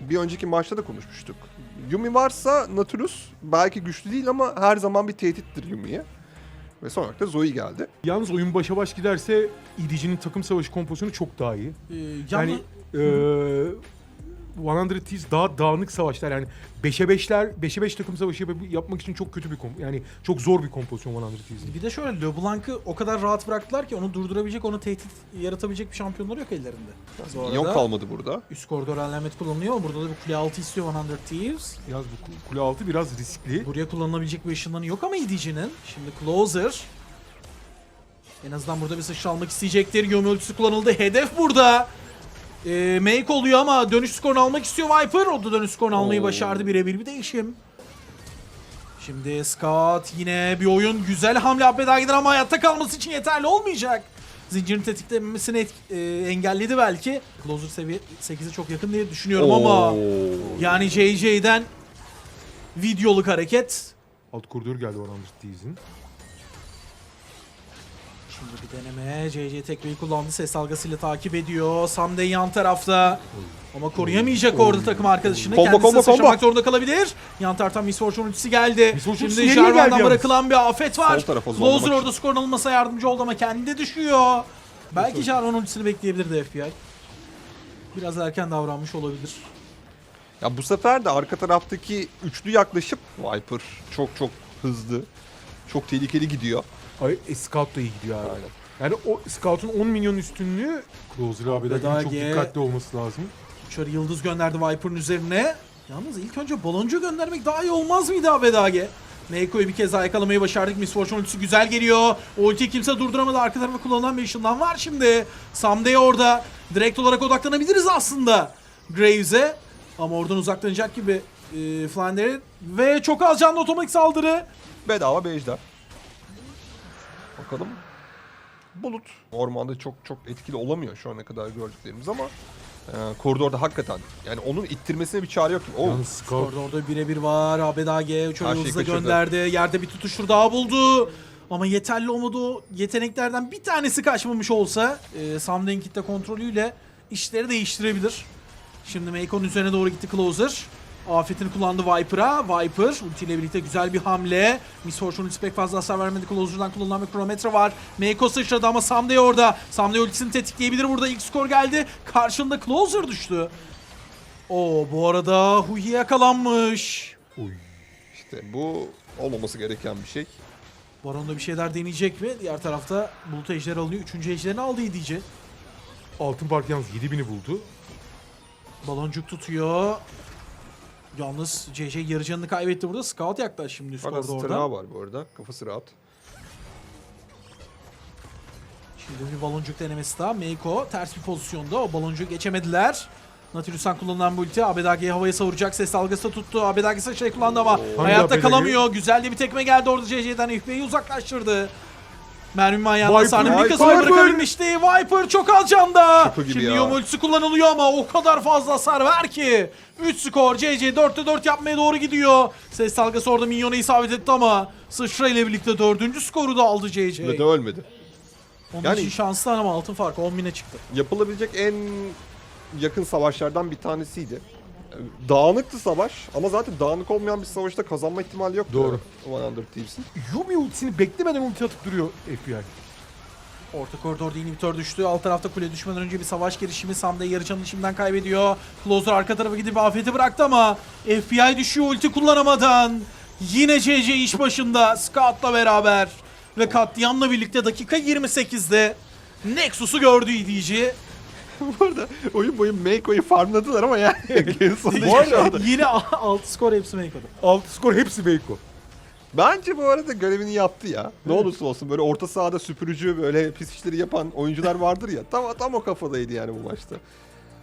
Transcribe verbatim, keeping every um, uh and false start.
bir önceki maçta da konuşmuştuk. Yumi varsa Nautilus belki güçlü değil ama her zaman bir tehdittir Yumi'ye. Ve son olarak da Zoe geldi. Yalnız oyun başa baş giderse E D G'nin takım savaşı kompozisyonu çok daha iyi. Ee, Yani eee yüz Thieves daha dağınık savaşlar, yani beşe beşler, beşe beş takım savaşı yap- yapmak için çok kötü bir komp yani çok zor bir kompozisyon yüz Thieves'in. Bir de şöyle, LeBlanc'ı o kadar rahat bıraktılar ki onu durdurabilecek, onu tehdit yaratabilecek bir şampiyonları yok ellerinde. Bu arada Minyon kalmadı burada. üst koridor alamet kullanılıyor. Burada da bir kule altı istiyor yüz Thieves. Yalnız bu ku- kule altı biraz riskli. Buraya kullanılabilecek bir ışınlanı yok ama E D G'nin. Şimdi Closer. En azından burada bir sıçra almak isteyecektir. Yumi ultisi kullanıldı. Hedef burada. Ee, make oluyor ama dönüş skorunu almak istiyor Viper. O da dönüş skorunu almayı Oo. başardı. Birebir bir değişim. Şimdi Scout yine bir oyun. Güzel hamle Abedag'den ama hayatta kalması için yeterli olmayacak. Zincirin tetiklenmesini et, e, engelledi belki. Closer seviye sekize çok yakın diye düşünüyorum ama Oo. yani J J'den videoluk hareket. Alt koridor geldi yüz Thieves'in. Şimdi bir deneme. C C tekmeyi kullandı. Ses dalgasıyla takip ediyor. Samden yan tarafta. Ama koruyamayacak orada takım arkadaşını. Combo, Kendisi combo, sıçramak combo. zorunda kalabilir. Yan taraftan Miss Fortune ultisi geldi. Miss Fortune Şimdi nereye geldi Jarvan'dan yalnız? bırakılan bir afet var. Sol tarafa Closer zorlamak orada skorun alınmasına yardımcı oldu ama kendi de düşüyor. Belki Jarvan ultisini bekleyebilirdi F B I. Biraz erken davranmış olabilir. Ya bu sefer de arka taraftaki üçlü yaklaşıp Viper çok çok hızlı, çok tehlikeli gidiyor. Ay, e, Scout da iyi gidiyor abi. Aynen. Yani o Scout'un on milyon üstünlüğü Closer abi de Abedagi- çok dikkatli olması lazım. Şöyle yıldız gönderdi Viper'ın üzerine. Yalnız ilk önce baloncu göndermek daha iyi olmaz mıydı Abedagi? Meiko'yu bir kez daha yakalamayı başardık. Miss Fortune ultisi güzel geliyor. O ultiyi kimse durduramadı. Arka tarafa kullanılan bir ışından var şimdi. Someday orada. Direkt olarak odaklanabiliriz aslında Graves'e. Ama oradan uzaklanacak gibi e, Flander'in. Ve çok az canlı otomatik saldırı. Bedava bir ejder. Bakalım. Bulut. Ormanda çok çok etkili olamıyor şu ana kadar gördüklerimiz ama e, koridorda hakikaten yani onun ittirmesine bir çare yok. Oh. Yalnız Scout Orada orada birebir var. Abedagi çok Her şeyi hızlı kaçırdı. gönderdi. Yerde bir tutuştur daha buldu. Ama yeterli olmadı, o yeteneklerden bir tanesi kaçmamış olsa e, Samden kitle kontrolüyle işleri değiştirebilir. Şimdi Meiko'nun üzerine doğru gitti Closer. Afetini kullandı Viper'a. Viper ultiyle birlikte güzel bir hamle. Miss Fortune ultisi pek fazla hasar vermedi. Closer'dan kullanılan bir kronometre var. Meiko sıçradı ama Samday orada. Samday ultisini tetikleyebilir. Burada ilk skor geldi. Karşında Closer düştü. Oo, bu arada Huhi yakalanmış. Oy. İşte bu olmaması gereken bir şey. Baron'da bir şeyler deneyecek mi? Diğer tarafta Bulut Ejder alıyor. Üçüncü Ejder'ini aldı E D G. Altın Park yalnız yedi bini buldu. Baloncuk tutuyor. Yalnız C J yarı canını kaybetti burada. Scout yaklaş şimdi üst Fakat koridorda. tırnağı var bu arada. Kafası rahat. Şimdi bir baloncuk denemesi daha. Meiko ters bir pozisyonda. O baloncuğu geçemediler. Nautilus'tan kullanılan bu ulti Abedagi'yi havaya savuracak. Ses dalgası da tuttu. Abedagi sıçrayı kullandı ama Oo. hayatta Abedagi? kalamıyor. Güzel de bir tekme geldi orada C J'den. F B'yi uzaklaştırdı. Mermi manyağında Viper, sahne bir Viper. kasını bırakabilmişti. Viper çok az canda. Şaka gibi Şimdi ya. Yom ultisi kullanılıyor ama o kadar fazla hasar ver ki. üç skor. C C dörtte dört yapmaya doğru gidiyor. Ses dalgası orada minyona isabet etti ama sıçra ile birlikte dördüncü skoru da aldı C C. Ve de ölmedi. Onun Yani- için şanslı ama altın farkı on bine çıktı. Yapılabilecek en yakın savaşlardan bir tanesiydi. Dağınıktı savaş ama zaten dağınık olmayan bir savaşta kazanma ihtimali yoktu. Doğru. yüz Thieves'in. Yumi ultisini beklemeden ulti atıp duruyor F B I. Orta koridorda inhibitor düştü. Alt tarafta kule düşmeden önce bir savaş girişimi. Sam'da yarı canını şimdiden kaybediyor. Closer arka tarafa gidip afeti bıraktı ama F B I düşüyor ulti kullanamadan. Yine C C iş başında Scout'la beraber. Ve katliamla birlikte dakika yirmi sekizde Nexus'u gördü E D G. Bu arada oyun boyu Meiko'yu farmladılar ama yani en sonunda Bu yaşandı. arada yine altı skor hepsi Meiko'da. Altı skor hepsi Meiko. Bence bu arada görevini yaptı ya. Ne olursa olsun böyle orta sahada süpürücü böyle pis işleri yapan oyuncular vardır ya. Tam tam o kafadaydı yani bu maçta.